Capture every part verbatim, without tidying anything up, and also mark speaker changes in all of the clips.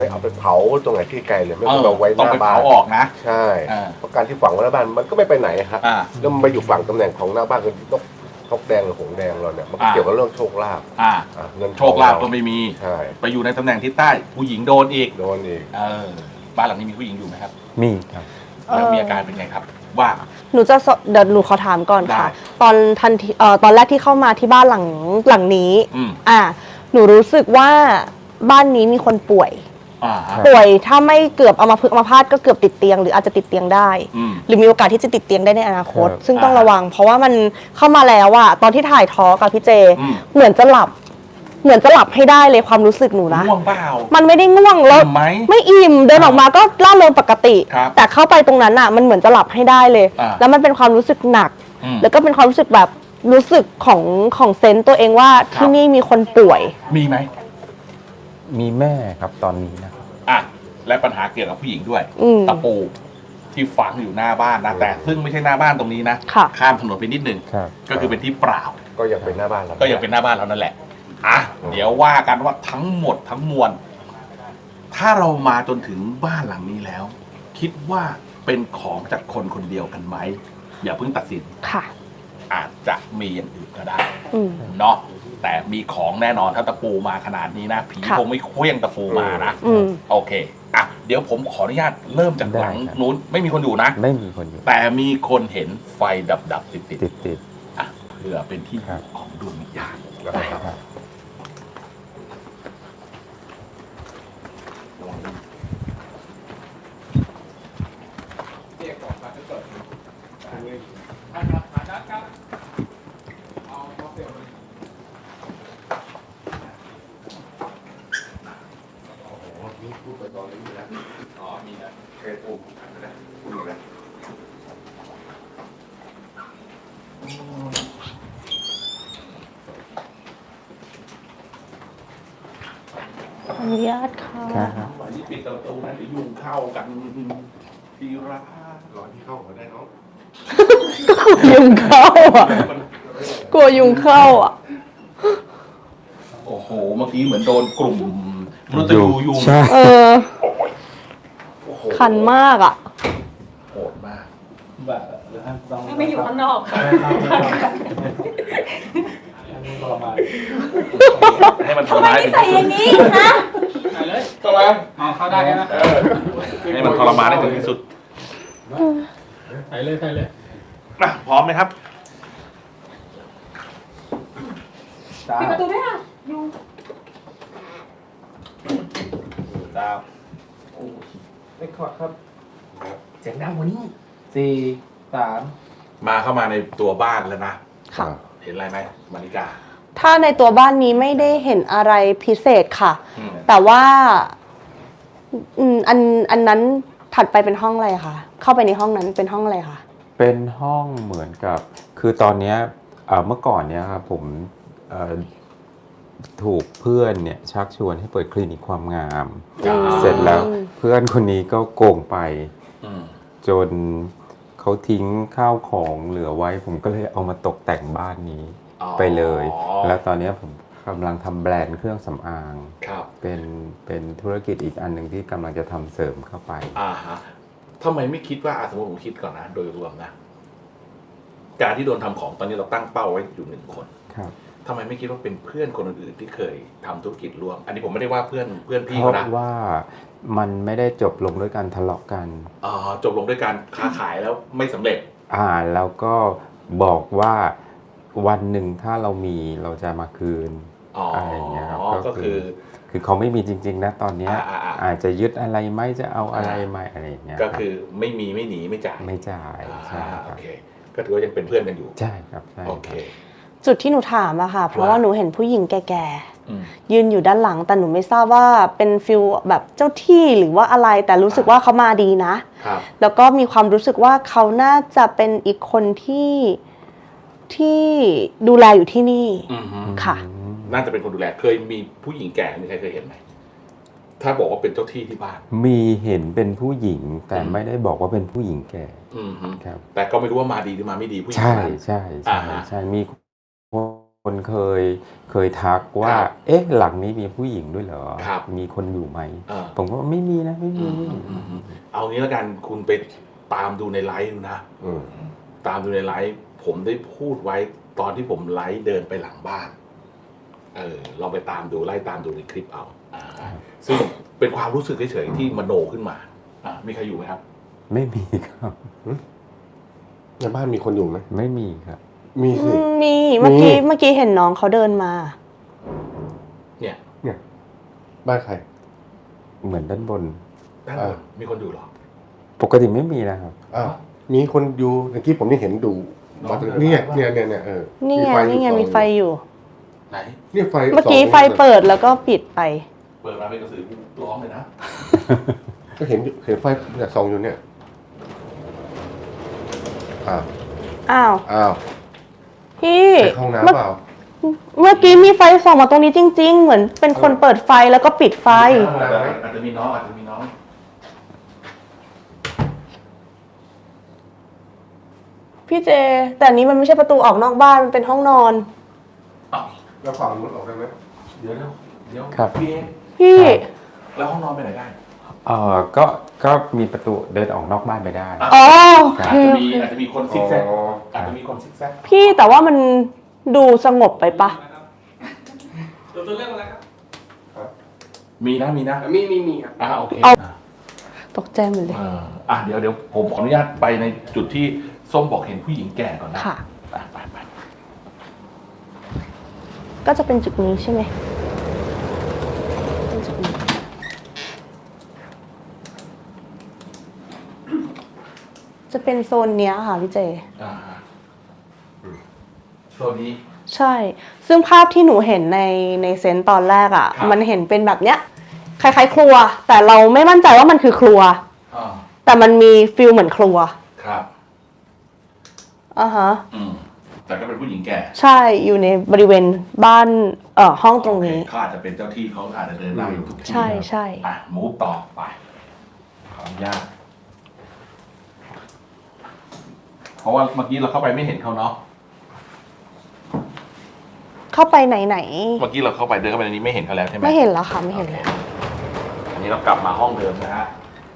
Speaker 1: เอาไปเผาตรงไหนที่ไกลเลยไม่ต้องเอาไว้ห
Speaker 2: ต้อง
Speaker 1: น้า
Speaker 2: ไป
Speaker 1: บ้า
Speaker 2: เผาน ออกนะ
Speaker 1: ใช่
Speaker 2: อ่า
Speaker 1: เพราะการที่ฝังไว้หน้าบ้านมันก็ไม่ไปไหนครับ
Speaker 2: อ่า
Speaker 1: แล้วมันไปอยู่ฝั่งตำแหน่งของหน้าบ้านคือนกนกแดงหรือหงส์แดงเราเนี่ยมันก็
Speaker 2: อ่า
Speaker 1: เกี่ยวกับเรื่องโชคลาภ
Speaker 2: อ่า
Speaker 1: อ่ะเงินทอง
Speaker 2: โชคลาภก็ไม่มี
Speaker 1: ใช่
Speaker 2: ไปอยู่ในตำแหน่งทิศใต้ผู้หญิงโดนอีก
Speaker 1: โดนอีก
Speaker 2: เออบ้านหลังนี้มีผู้หญิงอยู่ไหมครับ
Speaker 3: มีครับ
Speaker 2: แล้วมีอาการเป็นไงครับ ว่า
Speaker 4: หนูจะสเดี๋ยวหนูขอถามก่อนค่ะ
Speaker 2: ได้
Speaker 4: ตอนทันทีเอ่อตอนแรกที่เข้ามาที่บ้านหลังหลังนี้
Speaker 2: อืม
Speaker 4: อ่าหนูรู้สึกว่าบ้านนี้มีคนป่วย
Speaker 2: อ่าฮะ
Speaker 4: ป่วยถ้าไม่เกือบเอามาพึกษ์อัมาพาตก็เกือบติดเตียงหรืออาจจะติดเตียงได้
Speaker 2: อืม
Speaker 4: หรือมีโอกาสที่จะติดเตียงได้ในอนาคต
Speaker 3: ครับ
Speaker 4: ซึ่งต้อง
Speaker 2: อ่า
Speaker 4: ระวัง เพราะว่ามันเข้ามาแล้วอะตอนที่ถ่ายทอกับพี่เจ
Speaker 2: อืม
Speaker 4: เหมือนจะหลับ เหมือนจะหลับให้ได้เลยความรู้สึกหนูนะ
Speaker 2: ง่วงเปล่า
Speaker 4: มันไม่ได้ง่วงแล้ว
Speaker 2: อิ่มไหม
Speaker 4: ไม่อิ่มเดินออกมาก็ร่าเริงปกติ
Speaker 2: ครับ
Speaker 4: แต่เข้าไปตรงนั้นอะมันเหมือนจะหลับให้ได้เลย
Speaker 2: อ่า
Speaker 4: แล้วมันเป็นความรู้สึกหนัก
Speaker 2: อืม
Speaker 4: แล้วก็เป็นความรู้สึกแบบรู้สึกของของเซนต์ตัวเองว่า
Speaker 2: ครับ
Speaker 4: ที่นี่มีคนป่วย
Speaker 2: มีไหม
Speaker 3: มีแม่ครับตอนนี้นะครับ
Speaker 2: อ่ะและปัญหาเกี่ยวกับผู้หญิงด้วย
Speaker 4: อืม
Speaker 2: ตะปูที่ฝังอยู่หน้าบ้านนะแต่ซึ่งไม่ใช่หน้าบ้านตรงนี้นะ
Speaker 4: ค่ะ
Speaker 2: ข้ามถนนไปนิดนึง
Speaker 3: ครับ
Speaker 2: ก็คือเป็นที่เปล่า
Speaker 1: ก็ยังเป็นหน้าบ้านเรา
Speaker 2: ก็ยังเป็นหน้าบ้านเรานั่นแหละอ่ะเดี๋ยวว่ากันว่าทั้งหมดทั้งมวล ถ้าเรามาจนถึงบ้านหลังนี้แล้ว คิดว่าเป็นของจากคนคนเดียวกันไหมอย่าเพิ่งตัดสิน
Speaker 4: ค่ะ
Speaker 2: อาจจะมีอย่างอื่นก็ได้
Speaker 4: อืม
Speaker 2: เนาะแต่มีของแน่นอนถ้าตะปูมาขนาดนี้นะผี
Speaker 4: ค่ะ
Speaker 2: คงไม่เคว้งตะปูมานะ
Speaker 4: อืม
Speaker 2: โอเคอ่ะเดี๋ยวผมขออนุญาตเริ่มจากหลัง
Speaker 3: ได้ครับ
Speaker 2: นู้นไม่มีคนอยู่นะ
Speaker 3: ไม่มีคนอยู่
Speaker 2: แต่มีคนเห็นไฟดับดับๆติดติด
Speaker 3: ติดติด
Speaker 2: ๆอ่ะเพื่อเป็นที่อ
Speaker 3: ครั
Speaker 2: ยู่
Speaker 3: บ
Speaker 2: ของดวงวิญญาณ
Speaker 1: นะครับ
Speaker 3: ครับ
Speaker 1: พูดไปตอนนี้นะ
Speaker 2: อ๋อมีนะ
Speaker 1: เคยพูดนะพูดนะ
Speaker 4: ขออนุญาตค่ะ
Speaker 3: ครับ
Speaker 2: วันนี้ปิดประตูนะเดี๋ยวยุงเข้ากันทีละ
Speaker 1: รอที่เข้ามาได้เนาะ
Speaker 4: ยุงเข้าอ่ะ กลัวยุงเข้าอ่ะ
Speaker 2: โอ้โหเมื่อกี้เหมือนโดนกลุ่มมนุษย์ยูยุง
Speaker 3: ใช่
Speaker 4: เออ
Speaker 2: โอ้โห
Speaker 4: คันมากอ่ะ
Speaker 2: โหดมาก
Speaker 5: ไม่อยู่ข้างนอกค่ะ
Speaker 2: ให้มัน
Speaker 5: ทำไม
Speaker 2: ทรมาน
Speaker 5: นิสัยอย่างนี้นะ
Speaker 2: ทรมาน
Speaker 6: อ๋อเข้าได้แล้วนะ
Speaker 2: เออให้มันทรมานให้ถึงที่สุด
Speaker 6: ถ่ายเลยถ่ายเลย
Speaker 2: นะพร้อมไหมครับ
Speaker 5: ปิดประตูด้วยค่ะยุง
Speaker 2: ดาว
Speaker 6: ไปคอร์ดครับเสียงดังกว่านี้สี่สาม
Speaker 2: มาเข้ามาในตัวบ้านแล้วนะ
Speaker 4: ค่ะ
Speaker 2: เห็นอะไรไหมมาริกา
Speaker 4: ถ้าในตัวบ้านนี้ไม่ได้เห็นอะไรพิเศษค่ะ
Speaker 2: อืม
Speaker 4: แต่ว่าอืมอันอันนั้นถัดไปเป็นห้องอะไรคะเข้าไปในห้องนั้นเป็นห้องอะไรคะ
Speaker 3: เป็นห้องเหมือนกับ คือตอนเนี้ยเอ่อเมื่อก่อนเนี้ยครับผมเอ่อถูกเพื่อนเนี่ยชักชวนให้เปิดคลินิกความงาม
Speaker 2: อืม
Speaker 3: เสร็จแล้วเพื่อนคนนี้ก็โกงไป
Speaker 2: อืม
Speaker 3: จนเขาทิ้งข้าวของเหลือไว้ ผมก็เลยเอามาตกแต่งบ้านนี้
Speaker 2: อ๋อ
Speaker 3: ไปเลย แล้วตอนเนี้ยผมกำลังทำแบรนด์เครื่องสำอาง
Speaker 2: ครับ
Speaker 3: เป็นเป็นธุรกิจอีกอันหนึ่งที่กำลังจะทำเสริมเข้าไป
Speaker 2: อ่าฮะทำไมไม่คิดว่าอ่ะสมมติผมคิดก่อนนะ โดยรวมนะ การที่โดนทำของตอนนี้เราตั้งเป้าไว้อยู่หนึ่งคน
Speaker 3: ครับ
Speaker 2: ทำไมไม่คิดว่าเป็นเพื่อนคนอื่นๆที่เคยทำธุรกิจร่วม อันนี้ผมไม่ได้ว่าเพื่อนเพื่อนพี่
Speaker 3: เพ
Speaker 2: เขา
Speaker 3: ราะ
Speaker 2: นะ
Speaker 3: ว่ามันไม่ได้จบลงด้วยการทะเลาะกัน
Speaker 2: อ๋อจบลงด้วยการค้าขายแล้วไม่สำเร็จ
Speaker 3: อ่าแล้วก็บอกว่าวันหนึ่งถ้าเรามีเราจะมาคืน
Speaker 2: อ๋ออ
Speaker 3: อะไรอย่างเงี้ยครับ
Speaker 2: ก็คือ
Speaker 3: คือเขาไม่มีจริง ๆ นะตอนเนี้ย
Speaker 2: อ่าอ่าอ่า
Speaker 3: อาจจะยึดอะไรไหมจะเอาอะไรไหมอะไรอย่างเงี้ย
Speaker 2: ก็คือไม่มีไม่หนีไม่จ่าย
Speaker 3: ไม่จ่าย
Speaker 2: อ่า
Speaker 3: ใช่ค
Speaker 2: โอ
Speaker 3: รับ
Speaker 2: เค ก็ถือว่ายังเป็นเพื่อนกันอยู่
Speaker 3: ใช่ครับใช่
Speaker 2: โอเค
Speaker 4: จุดที่หนูถามอะค่ะ เพราะว่าหนูเห็นผู้หญิงแก่
Speaker 2: อืม
Speaker 4: ๆยืนอยู่ด้านหลัง แต่หนูไม่ทราบว่าเป็นฟิลแบบเจ้าที่หรือว่าอะไร แต่รู้สึกว่าเขามาดีนะ
Speaker 2: ครับ
Speaker 4: แล้วก็มีความรู้สึกว่าเขาน่าจะเป็นอีกคนที่ที่ดูแลอยู่ที่นี่
Speaker 2: อืมฮึ
Speaker 4: ค่ะ
Speaker 2: น่าจะเป็นคนดูแล เคยมีผู้หญิงแก่มีใครเคยเห็นไหม ถ้าบอกว่าเป็นเจ้าที่ที่บ้าน
Speaker 3: มีเห็นเป็นผู้หญิงแต่
Speaker 2: อืม
Speaker 3: ไม่ได้บอกว่าเป็นผู้หญิงแก่
Speaker 2: อืมฮึ
Speaker 3: ครับ
Speaker 2: แต่ก็ไม่รู้ว่ามาดีหรือมาไม่ดีผู้หญิง
Speaker 3: ใช่
Speaker 2: คนนั้น
Speaker 3: ใช่ใช่
Speaker 2: อ่าฮะ
Speaker 3: ใช่มีคคนเคยเคยทักว่า
Speaker 2: ครับ
Speaker 3: เอ๊ะหลังนี้มีผู้หญิงด้วยเหรอ
Speaker 2: ครับ
Speaker 3: มีคนอยู่ไหม
Speaker 2: เออ
Speaker 3: ผมก็ว่าไม่มีนะไม่มีไม่มี
Speaker 2: เอางี้แล้วกันคุณไปตามดูในไลฟ์ดูนะ
Speaker 1: อืม
Speaker 2: ตามดูในไลฟ์ผมได้พูดไว้ตอนที่ผมไลฟ์เดินไปหลังบ้าน เออลองไปตามดูไล่ตามดูในคลิปเอาอ่าซึ่งเป็นความรู้สึกเฉยๆที่มโนขึ้นมาอ่ามีใครอยู่ไหมครับ
Speaker 3: ไม่มีครับ
Speaker 1: ในบ้านมีคนอยู่ไหม
Speaker 3: ไม่มีครับ
Speaker 1: มี
Speaker 4: อื
Speaker 1: สิ
Speaker 4: มมีเมื่อกี้
Speaker 1: มี
Speaker 4: เมื่อกี้เห็นน้องเขาเดินมา
Speaker 2: เนี่ย
Speaker 1: เนี่ยบ้านใคร
Speaker 3: เหมือนด้านบน
Speaker 2: ด้านบนมีคนอยู่เหรอ
Speaker 3: ปกติไม่มีนะครับ
Speaker 1: อ้าวมีคนอยู่เมื่อกี้ผมนี่เห็นดู
Speaker 2: น้อง
Speaker 1: มาถึง
Speaker 2: เดิน
Speaker 1: เนี่ย
Speaker 2: มา
Speaker 1: เนี่ยเนี่ยเนี่ยเออ
Speaker 4: นี่ไง
Speaker 1: มีฟ
Speaker 4: นี่ไง
Speaker 1: อยู่
Speaker 4: มีไฟอยู่
Speaker 2: ไหน
Speaker 1: เนี่ยไฟ
Speaker 4: เมื่อกี้
Speaker 1: สง
Speaker 4: ไฟเปิดแล้วก็ปิดไป
Speaker 2: เปิดมาเป็นกระสือร้องเลยนะ
Speaker 1: ก็เห็นอยู่เห็นไฟเนี่ยส่องอยู่เนี่ยอ้าว
Speaker 4: อ้าว
Speaker 1: อ้าว
Speaker 4: พี่
Speaker 1: ไปเข้าห้อง
Speaker 4: เมื่อ
Speaker 1: น้ำเปล่า
Speaker 4: เมื่อกี้มีไฟส่องมาตรงนี้จริง ๆ เหมือนเป็นคนเปิดไฟแล้วก็ปิดไฟ
Speaker 2: อาจจะอาจจะมีน้องอาจจะมีน้อง
Speaker 4: พี่เจ แต่อันนี้มันไม่ใช่ประตูออกนอกบ้านมันเป็นห้องนอน
Speaker 2: อ้าว
Speaker 1: แล้วฝั่งนู้นออกได้ไหม
Speaker 2: เดี๋ยวเดี๋ยวเดี๋ยว
Speaker 3: ครับ
Speaker 2: พี่เอง
Speaker 4: พี่
Speaker 2: แล้วห้องนอนไปไหนได้
Speaker 3: เออก็ก็มีประตูเดินออกนอกบ้านไปได้
Speaker 2: อ่ะ
Speaker 4: อ๋อโอ
Speaker 2: อา
Speaker 4: เค
Speaker 2: จจะ
Speaker 4: โอ
Speaker 2: มี
Speaker 4: เค
Speaker 2: อาจจะมีคนซิกแซกอาจจะมีคนซิกแซก
Speaker 4: พี่แต่ว่ามันดูสงบไปปะ
Speaker 6: ตัวตัวเรื่องอะไรครับ
Speaker 2: มีนะมีนะ
Speaker 6: มีมีมีครับ
Speaker 2: อ่าโอเค
Speaker 4: เอา
Speaker 2: อ่ะ
Speaker 4: ตกใจหมดเลย
Speaker 2: อ่าอ่ะเดี๋ยวเดี๋ยวผมขออนุญาตไปในจุดที่ส้มบอกเห็นผู้หญิงแก่ก่อนนะ
Speaker 4: ค่ะ
Speaker 2: อ่ะไปไป
Speaker 4: ก็จะเป็นจุดนี้ใช่ไหมเป็นจุดนี้จะเป็นโซนเนี้ยค่ะพี่เจ
Speaker 2: อ่าโซนนี้
Speaker 4: ใช่ ซึ่งภาพที่หนูเห็นในในเซนต์ตอนแรกอะ่ะ
Speaker 2: ครับ
Speaker 4: มันเห็นเป็นแบบเนี้ย คล้ายๆครัว แต่เราไม่มั่นใจว่ามันคือครัว
Speaker 2: อ่า
Speaker 4: แต่มันมีฟิลเหมือนครัว
Speaker 2: ครับ
Speaker 4: อ่าฮะ
Speaker 2: อืมแต่ก็เป็นผู้หญิงแก่
Speaker 4: ใช่ อยู่ในบริเวณบ้านเอ่อห้องตรงนี้
Speaker 2: โอเคเขาอาจจะเป็นเจ้าที่เขาอาจจะเดินได้อยู่ทุกที่
Speaker 4: ใช่ใช่
Speaker 2: อ่ะมูฟต่อไปขออนุญาตเพราะว่าเมื่อกี้เราเข้าไปไม่เห็นเขาเนาะ
Speaker 4: เข้าไปไหนไหน
Speaker 2: เมื่อกี้เราเข้าไปเดินเข้าไปในนี้ไม่เห็นเขาแล้วใช่ไหม
Speaker 4: ไม่เห็นแล้วค่ะ ไม่เห็นแล้ว
Speaker 2: อันนี้เรากลับมาห้องเดิมนะฮะ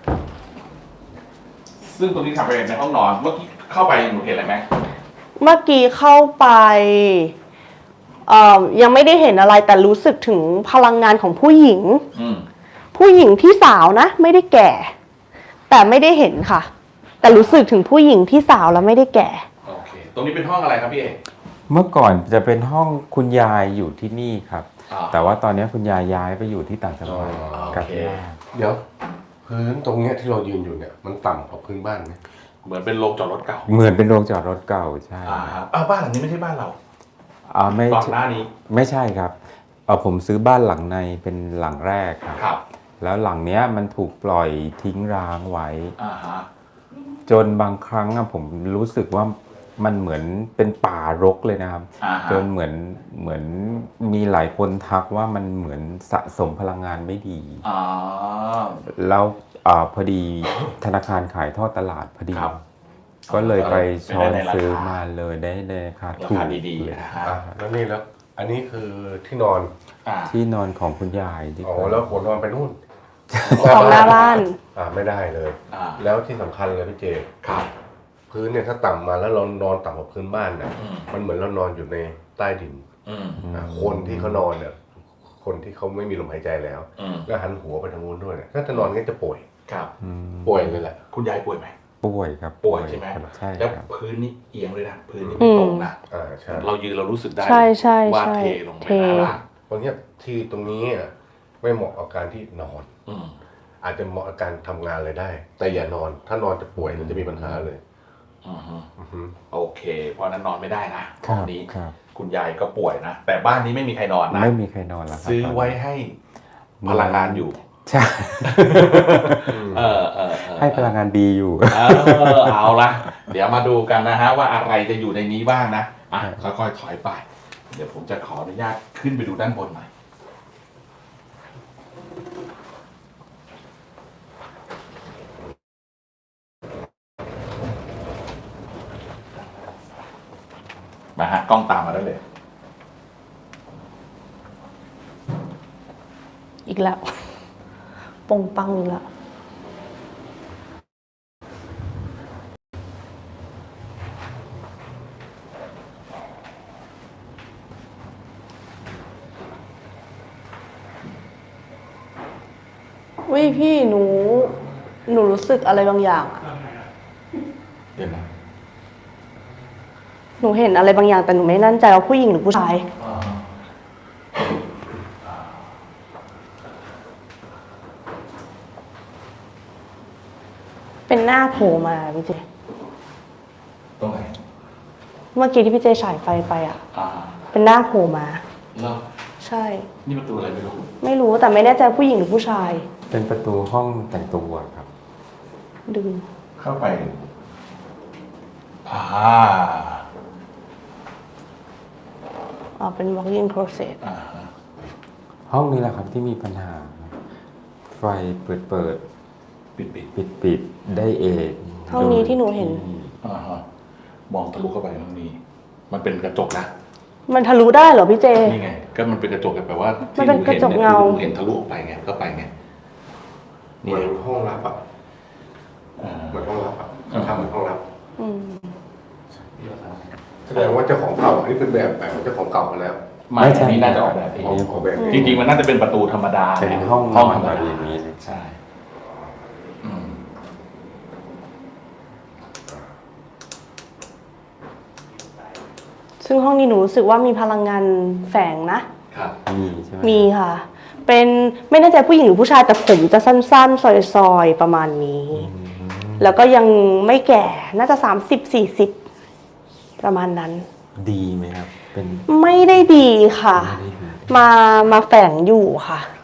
Speaker 2: ซึ่งตรงนี้ทำไปในห้องนอน เมื่อกี้เข้าไปหนูเห็นอะไรไหม
Speaker 4: เมื่อกี้เข้าไปเอ่อยังไม่ได้เห็นอะไรแต่รู้สึกถึงพลังงานของผู้หญิง
Speaker 2: อืม
Speaker 4: ผู้หญิงที่สาวนะ ไม่ได้แก่ แต่ไม่ได้เห็นค่ะ แต่รู้สึกถึงผู้หญิงที่สาวแล้วไม่ได้แก่
Speaker 2: โอเค ตรงนี้เป็นห้องอะไรครับพี่เอก
Speaker 3: เมื่อก่อนจะเป็นห้องคุณยายอยู่ที่นี่ครับ
Speaker 2: อ่า
Speaker 3: แต่ว่าตอนนี้คุณยายย้ายไปอยู่ที่ต่างจังหวัด
Speaker 2: อ๋อ
Speaker 3: กับ
Speaker 2: โอเค
Speaker 3: ย่า
Speaker 1: เดี๋ยว พื้นตรงเนี้ยที่เรายืนอยู่เนี่ยมันต่ำกว่าพื้นบ้านไหม
Speaker 2: เหมือนเป็นโรงจอดรถเก่า
Speaker 3: เหมือนเป็นโรงจอดรถเก่าใช่
Speaker 2: อ่าครับอ่าบ้านหลังนี้ไม่ใช่บ้านเรา
Speaker 3: อ่าไม่
Speaker 2: ก่อนหน้านี้
Speaker 3: ไม่ใช่ครับเออผมซื้อบ้านหลังในเป็นหลังแรกครับ
Speaker 2: ครับ
Speaker 3: แล้วหลังเนี้ยมันถูกปล่อยทิ้งร้างไว้
Speaker 2: อ่าฮะ
Speaker 3: จนบางครั้งอะผมรู้สึกว่ามันเหมือนเป็นป่ารกเลยนะครับ
Speaker 2: อ่าฮะ
Speaker 3: จนเหมือนเหมือนมีหลายคนทักว่ามันเหมือนสะสมพลังงานไม่ดี
Speaker 2: อ่า
Speaker 3: แล้วอาพอดีธนาคารขายทอดตลาดพอดี
Speaker 2: ครับ
Speaker 3: ก็เลยไปช้อน
Speaker 2: ไปได้ในราคา
Speaker 3: ซื้อมาเลยได้ในราคา
Speaker 2: รา
Speaker 3: ถู
Speaker 2: คาก ดีๆ
Speaker 3: เลย
Speaker 2: นะฮะ
Speaker 1: อ่ะแล้วนี่แล้ว อันนี้คือที่นอน
Speaker 2: อ่า
Speaker 3: ที่นอนของคุณยายดีก
Speaker 1: อ๋อ
Speaker 3: ว่า
Speaker 1: แล้วหัวนอนไปนู่น
Speaker 4: ของหน้าบ้าน
Speaker 1: อ่าไม่ได้เลย
Speaker 2: อ่า
Speaker 1: แล้วที่สำคัญเลยพี่เจ
Speaker 2: ครับ
Speaker 1: พื้นเนี่ยถ้าต่ำมาแล้วเรานอนต่ำกว่าพื้นบ้านเนี่ย
Speaker 2: อืม
Speaker 1: มันเหมือนเรานอนอยู่ในใต้ดิน
Speaker 2: อืม
Speaker 1: อ่ะคนที่เขานอนเนี่ยคนที่เขาไม่มีลมหายใจแล้ว
Speaker 2: อืม
Speaker 1: แล้วหันหัวไปทางนู้นด้วยเนี่ยถ้าจะนอนงั้นจะป่วย
Speaker 2: ครับ
Speaker 3: อืม
Speaker 1: ป่วยเลยแหละ
Speaker 2: คุณยายป่วยไหม
Speaker 3: ป่วยครับ
Speaker 2: ป่วยใช่ไหม
Speaker 3: ครับใช่
Speaker 2: แล้ว
Speaker 3: ครับ
Speaker 2: พื้นนี่เอียงเลยนะ พื้นนี่ไม่ตรงนะ
Speaker 1: อ่าใช่
Speaker 2: เรายืนเรารู้สึกได้
Speaker 4: ใช่ใช่
Speaker 2: ว่า
Speaker 4: ใช่
Speaker 2: เทลงไป
Speaker 4: เท
Speaker 2: ด้านล่าง
Speaker 1: ตรงเนี้ยที่ตรงนี้อ่ะไม่เหมาะกับการที่นอน
Speaker 2: อืม
Speaker 1: อาจจะเหมาะกับการทำงานเลยได้ แต่อย่านอน ถ้านอนจะป่วยมันจะมีปัญหาเลย
Speaker 2: อือฮึ
Speaker 1: อือฮึ
Speaker 2: โอเค เพราะฉะนั้นนอนไม่ได้นะ
Speaker 3: ครั
Speaker 2: ห้อบ งนี้
Speaker 3: ครับ
Speaker 2: คุณยายก็ป่วยนะ แต่บ้านนี้ไม่มีใครนอนนะ
Speaker 3: ไม่มีใครนอนแล้วครับ
Speaker 2: ซื้อ
Speaker 3: ตนนี้
Speaker 2: ไว้ให้พลังงานอยู่
Speaker 3: ใช่
Speaker 2: เออเออเออ
Speaker 3: ให้พลังงานดีอยู่
Speaker 2: เออเอาละเดี๋ยวมาดูกันนะฮะว่าอะไรจะอยู่ในนี้บ้างนะอ่ะค่อยๆถอยไป เดี๋ยวผมจะขออนุญาตขึ้นไปดูด้านบนหน่อยมาฮะกล้องตามมาได้เลย
Speaker 4: อีกแล้วปงปังอีกแล้ววิพี่หนู หนูรู้สึกอะไรบางอย่างอะ
Speaker 2: เดี๋ยวนะ
Speaker 4: หนูเห็นอะไรบางอย่างแต่หนูไม่แน่ใจว่าผู้หญิงหรือผู้ชาย
Speaker 2: อ่า
Speaker 4: เป็นหน้าโผล่มาพี่เจ
Speaker 2: ตรงไหน
Speaker 4: เมื่อกี้ที่พี่เจฉายไฟไปอ่ะ
Speaker 2: อ่า
Speaker 4: เป็นหน้าโผล่มา
Speaker 2: แล้ว
Speaker 4: ใช่
Speaker 2: นี่ประตูอะไรไม่รู้
Speaker 4: ไม่รู้แต่ไม่แน่ใจผู้หญิงหรือผู้ชาย
Speaker 3: เป็นประตูห้องแต่งตัวครับ
Speaker 4: ดึง
Speaker 2: เข้าไปอ่า
Speaker 4: อ๋อเป็น walk-in closet
Speaker 2: อ่าฮะ
Speaker 3: ห้องนี้แหละครับที่มีปัญหา ไฟเปิดเปิด
Speaker 2: ปิดปิด
Speaker 3: ปิดปิดได้เอง
Speaker 4: ห้องนี้ที่หนูเห็น
Speaker 2: อ่าฮะมองทะลุเข้าไปห้องนี้ มันเป็นกระจกนะ
Speaker 4: มันทะลุได้เหรอพี่เจ
Speaker 2: นี่ไง ก็มันเป็นกระจกแบบว่า
Speaker 4: มั
Speaker 2: ที่
Speaker 4: นเป็นกระจกเงา
Speaker 2: เห็นทะลุออกไปไงก็ไปไง
Speaker 1: เหมือนห้องลับอ่ะ
Speaker 2: อ่า
Speaker 1: เหมือนห้องลับอ่ะ
Speaker 2: อ่า
Speaker 1: ทำเหมือนห้องลับ
Speaker 4: อืม
Speaker 1: แสดงว่าเจ้าของเก่าอันนี้เป็นแบบแบบของเจ้าของเก่ามาแล้ว
Speaker 2: ไม่อันนี้น่าจะออกแบบเอง
Speaker 1: ออกแบบเอง
Speaker 2: จริงๆมันน่าจะเป็นประตูธรรมดา
Speaker 3: เป็นห้อง
Speaker 2: ห้อง
Speaker 3: น
Speaker 2: ธร
Speaker 3: อน
Speaker 2: รม
Speaker 3: แบบ
Speaker 2: ดา
Speaker 3: อย่างนี้เลย
Speaker 2: ใช่อืม
Speaker 4: ซึ่งห้องนี้หนูรู้สึกว่ามีพลังงานแฝงนะ
Speaker 2: ครับ
Speaker 3: มีใช่ไหม
Speaker 4: มีค่ะ เป็นไม่แน่ใจผู้หญิงหรือผู้ชายแต่ผมจะสั้นๆ ซอยๆ ประมาณนี้
Speaker 3: อืม
Speaker 4: แล้วก็ยังไม่แก่ น่าจะสามสิบสี่สิบประมาณนั้น
Speaker 3: ดีไหมครับ เป็น
Speaker 4: ไม่ได้ดีค่ะ
Speaker 3: ไม่ได้ดี
Speaker 4: มามาแฝงอยู่ค่ะ